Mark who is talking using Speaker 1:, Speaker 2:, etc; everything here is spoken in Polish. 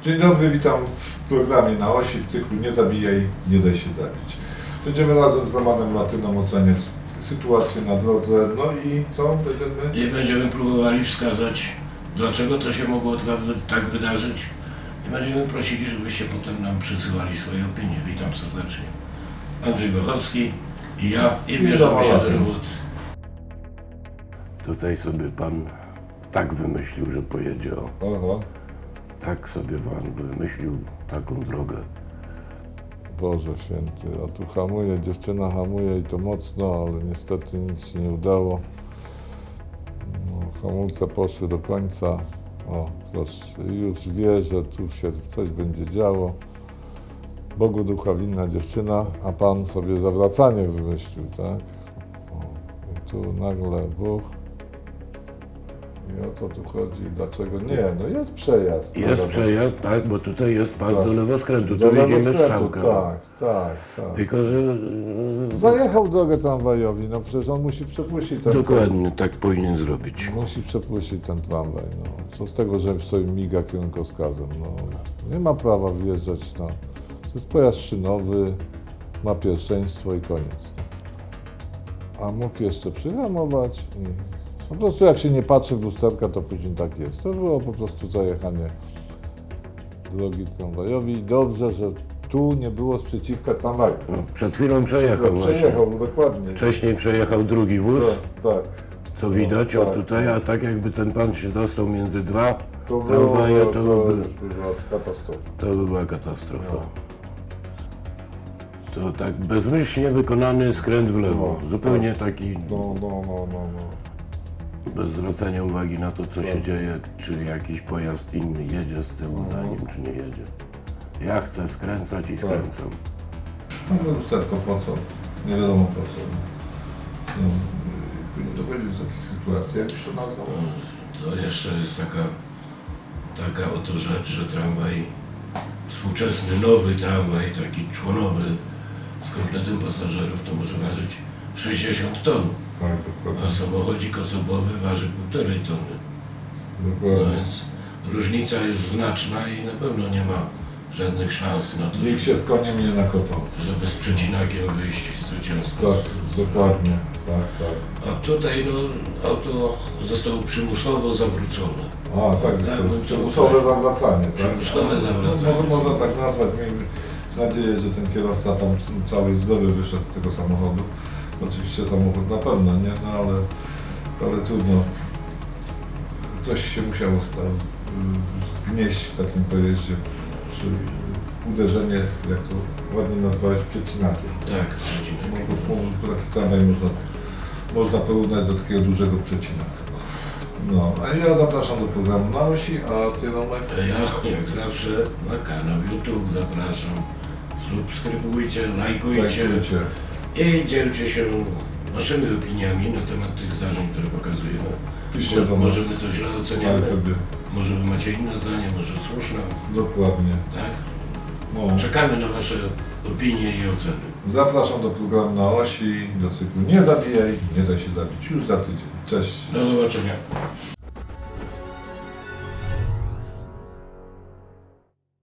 Speaker 1: Dzień dobry, witam w programie Na Osi w cyklu Nie zabijaj, nie daj się zabić. Będziemy razem z Romanem Latyną oceniać sytuację na drodze, no i co?
Speaker 2: I będziemy próbowali wskazać, dlaczego to się mogło tak wydarzyć. I będziemy prosili, żebyście potem nam przysyłali swoje opinie. Witam serdecznie. Andrzej Bochowski i ja, i bierzemy się do roboty. Tutaj sobie pan tak wymyślił, że pojedzie o.
Speaker 1: Oho.
Speaker 2: Tak sobie pan wymyślił taką drogę.
Speaker 1: Boże święty, a tu hamuje, dziewczyna hamuje i to mocno, ale niestety nic się nie udało. No, hamulce poszły do końca. O, proszę, już wie, że tu się coś będzie działo. Bogu ducha winna dziewczyna, a Pan sobie zawracanie wymyślił, tak? O, i tu nagle Bóg. I o co tu chodzi? Dlaczego? Nie, no jest przejazd.
Speaker 2: Jest przejazd, tak, bo tutaj jest pas
Speaker 1: Tak.
Speaker 2: do lewoskrętu,
Speaker 1: Do
Speaker 2: tu widzimy
Speaker 1: lewoskrętu,
Speaker 2: strzałkę.
Speaker 1: tak.
Speaker 2: Tylko, że
Speaker 1: Zajechał drogę tramwajowi, no przecież on musi przepuścić ten
Speaker 2: dokładnie tak powinien zrobić.
Speaker 1: Musi przepuścić ten tramwaj, no. Co z tego, że sobie miga kierunkowskazem, no. Nie ma prawa wjeżdżać na... To jest pojazd szynowy, ma pierwszeństwo i koniec. A mógł jeszcze przyhamować i... Po prostu jak się nie patrzy w lusterka, to później tak jest. To było po prostu zajechanie drogi tramwajowi. Dobrze, że tu nie było sprzeciwka tramwaju.
Speaker 2: No, przed chwilą przejechał właśnie.
Speaker 1: Przejechał, dokładnie.
Speaker 2: Wcześniej przejechał drugi wóz,
Speaker 1: Tak.
Speaker 2: co widać,
Speaker 1: tak,
Speaker 2: o tutaj, a tak jakby ten pan się dostał między dwa
Speaker 1: To
Speaker 2: tramwaje, to
Speaker 1: była katastrofa.
Speaker 2: to by była katastrofa. To tak bezmyślnie wykonany skręt w lewo, zupełnie taki
Speaker 1: No.
Speaker 2: bez zwracania uwagi na to, co się dzieje, czy jakiś pojazd inny jedzie z tyłu za nim, czy nie jedzie. Ja chcę skręcać i skręcam.
Speaker 1: No lusterko po co? Nie wiadomo po co. No, powinien dochodzić do takich sytuacji, jak się to nazwał?
Speaker 2: To jeszcze jest taka oto rzecz, że tramwaj, współczesny, nowy tramwaj, taki członowy, z kompletem pasażerów, to może ważyć 60 ton,
Speaker 1: Tak,
Speaker 2: a
Speaker 1: dokładnie.
Speaker 2: samochodzik osobowy waży 1,5 tony. No
Speaker 1: Dokładnie.
Speaker 2: więc różnica jest znaczna i na pewno nie ma żadnych szans na to,
Speaker 1: Nikt się z koniem nie nakopał.
Speaker 2: żeby z przecinakiem wyjść zwycięsko.
Speaker 1: Tak, dokładnie. Tak.
Speaker 2: A tutaj no, auto zostało przymusowo zawrócone.
Speaker 1: A, tak,
Speaker 2: Tak,
Speaker 1: to
Speaker 2: no to
Speaker 1: przymusowe zawracanie, tak?
Speaker 2: Przymusowe zawracanie.
Speaker 1: Można tak nazwać. Miejmy nadzieję, że ten kierowca tam cały zdrowy wyszedł z tego samochodu. Oczywiście samochód na pewno, nie? No ale trudno. Coś się musiało zgnieść w takim pojeździe przy uderzenie, jak to ładnie nazwałeś, przecinakiem.
Speaker 2: Tak, przecinek.
Speaker 1: Taki tramwaj można porównać do takiego dużego przecinaka. No, a ja zapraszam do programu Na Osi, a Ty, Romek?
Speaker 2: Ja jak zawsze na kanał YouTube zapraszam. Subskrybujcie, lajkujcie i dzielcie się waszymi opiniami na temat tych zdarzeń, które pokazujemy.
Speaker 1: Piszcie do nas.
Speaker 2: Może my to źle oceniamy,
Speaker 1: Wtedy.
Speaker 2: może wy macie inne zdanie, może słuszne,
Speaker 1: Dokładnie.
Speaker 2: tak?
Speaker 1: No.
Speaker 2: Czekamy na wasze opinie i oceny.
Speaker 1: Zapraszam do programu Na Osi, do cyklu Nie zabijaj, nie da się zabić. Już za tydzień. Cześć.
Speaker 2: Do zobaczenia.